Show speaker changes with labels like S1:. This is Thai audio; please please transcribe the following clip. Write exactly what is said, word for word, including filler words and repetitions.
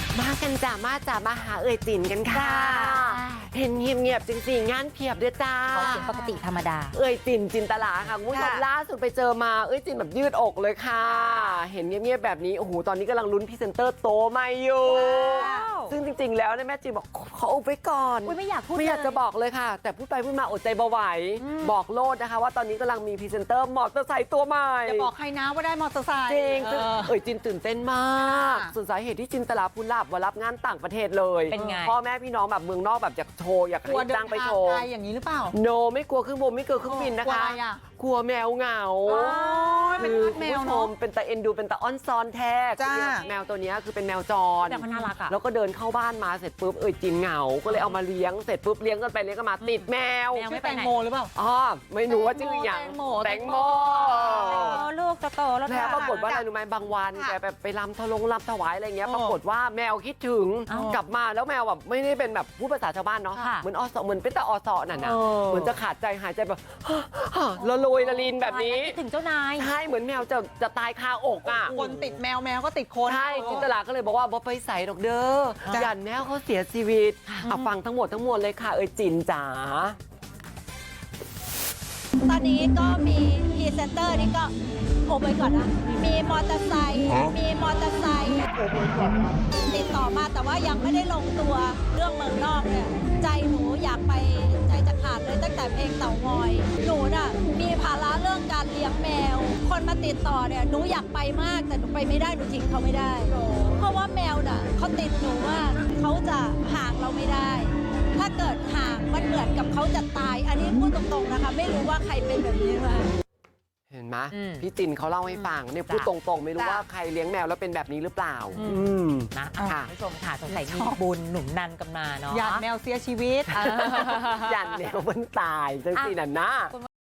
S1: มากันจ้ามาจ้ามาหาเอ่ยจินกันค่ะเห็นเงียบๆจริงๆงานเพียบด้วยจ้า
S2: เขาเสียงปกติธรรมดา
S1: เอ่ยจินจินตลาค่ะคุณผู้ชมล่าสุดไปเจอมาเอ่ยจินแบบยืดอกเลยค่ะเห็นเงียบๆแบบนี้โอ้โหตอนนี้กำลังลุ้นพรีเซนเตอร์โตมาอยู่ซึ่งจริงๆแล้วเนี่ยแม่จินบอกขออุบไว้ก่อน
S2: ไม่อยากพูด
S1: ไม่อยากจะบอกเลยค่ะแต่พูดไปพูดมาอดใจเบาไหวบอกโลดนะคะว่าตอนนี้กำลังมีพรีเซนเตอร์มอเตอร์ไซค์ตัวใหม่
S3: จะบอกใครนะว่าได้มอเตอร์ไซค์
S1: จริงซึ่งเอ่ยจินตื่นเต้นมากส่วนสาเหตุที่จินตลาพูนลาบว่ารับงานต่างประเทศเลย
S2: เป็นไง
S1: พ่อแม่พี่น้องแบบเมืองนอกแบบอยากโชว์อยากให้จ้างไปโชว์
S3: อย่างนี้หรือเปล่า
S1: โนไม่กลัวเครื่องบินไม่กลัวเครื่องบินนะคะกลัวแมวเหงา
S3: เป็นแมวเนาะ
S1: เป็นตาเอ็นดูเป็นตาอ้อนซอนแท้แมวตัวนี้คือเป็นแมวจร
S2: แต่มันน่ารักอ่ะ
S1: แล้วก็เดินเข้าบ้านมาเสร็จปุ๊บเอ่ยจินเหงาก็เลยเอามาเลี้ยงเสร็จปุ๊บเลี้ยงกันไปเลี้ยงกันมาติดแมว
S3: ชื่อแตงโมหรือเปล่า
S1: อ๋อไม่รู้ว่าชื่ออย่างแตงโม
S2: ลูกจะโตแล้ว
S1: แล้วปรากฏว่าอะไรรู้ไหมบางวันแกแบบไปรำทะลงรำถวายอะไรเงี้ยปรากฏว่าแมวคิดถึงกลับมาแล้วแมวแบบไม่ได้เป็นแบบพูดภาษาชาวบ้านเนาะเหมือนอสเหมือนเป็นแต่อสน่ะนะเหมือนจะขาดใจหายใจแบบละลอยละลินแบบนี้
S2: ถึงเจ้านาย
S1: ใช่เหมือนแมวจะจะตายคาอกอ่ะ
S3: คนติดแมวแมวก็ติดคน
S1: ใช่จินตลาก็เลยบอกว่าบ่ไปใส่ดอกเด้อยันแมวเขาเสียชีวิตเอาฟังทั้งหมดทั้งมวลเลยค่ะเอ่ยจินจ๋า
S4: ตอนนี้ก็มีพรีเซนเตอร์นี่ก็โอไปก่อนนะมีมอเตอร์ไซค์มีมอเตอร์ไซค์ติดต่อมาแต่ว่ายังไม่ได้ลงตัวเรื่องเมืองนอกเนี่ยใจหนูอยากไปใจจะขาดเลยตั้งแต่เพลงเต่างอยหนูน่ะมีภาระเรื่องการเลี้ยงแมวคนมาติดต่อเนี่ยหนูอยากไปมากแต่หนูไปไม่ได้หนูทิ้งเขาไม่ได้เพราะว่าแมวน่ะเขาติดหนูว่าเขาจะห่างเราไม่ได้ถ้าเกิดห่างมันเหมือนกับเขาจะตายอันนี้พูดตรงๆนะคะไม่รู้ว่าใครเป็นแบบนี้มา
S1: เห็นไหมพี่จินเขาเล่าให้ฟังเนี่ยพูดตรงๆไม่รู้ว่าใครเลี้ยงแมวแล้วเป็นแบบนี้หรือเปล่า
S2: นะค่ะผู้ชมค่ะสงสัยมีบุญหนุนนันกันมาเนาะ
S3: หยาดแมวเสียชีวิต
S1: หยันแมวมันตายจังสิน่ะนะ